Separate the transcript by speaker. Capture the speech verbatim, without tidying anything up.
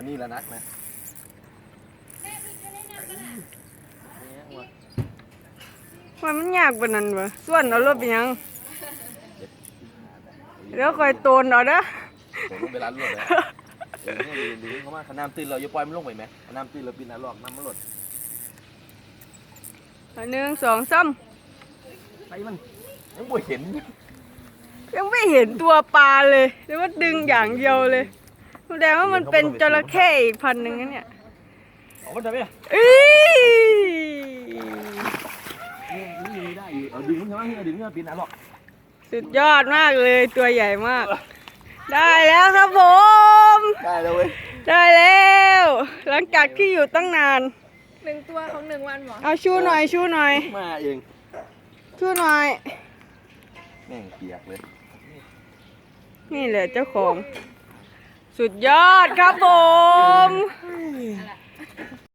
Speaker 1: อันนี้ละนักนะ
Speaker 2: มันมันยากปานนั้นวะส่วนเอารถไปยังเดี๋ยวคอยโตนเอาเด้อ
Speaker 1: ผมลงไปร้านรถเลยเดี๋ยวนี้ดูเขามาขน้ำตื้นเราอย่าปล่อยมันลงไปไหมขน้ำตื้นเราปีนน้ำหลอกน้ำมันหลด
Speaker 2: หนึ่งสองสาม
Speaker 1: ไปมันยังบ่เห็น
Speaker 2: ยังไม่เห็นตัวปลาเลยหรือว่าดึงอย่างเดียวเลยแสดงว่ามันเป็นจระเข้อีกพันหนึ่งนะเนี่ย
Speaker 1: เอามันจะไป
Speaker 2: อี๋
Speaker 1: นี่ได้อยู่เอาดึงมันใช่ไหมเอาดึงมันปีนน้ำหลอก
Speaker 2: สุดยอดมากเลยตัวใหญ่มาก ได้แล้วครับผม
Speaker 1: ได้แล้วเว้ย
Speaker 2: ได้แล้ว หลังจากที่อยู่ตั้งนาน
Speaker 3: หนึ่งตัวของหนึ่งวันหรอ
Speaker 2: เอาชูหน่อยชูหน่อย
Speaker 1: มาเอง
Speaker 2: ชูหน่อย
Speaker 1: แม่งเปียกเลย
Speaker 2: นี่แหละเจ้าของ สุดยอดครับผม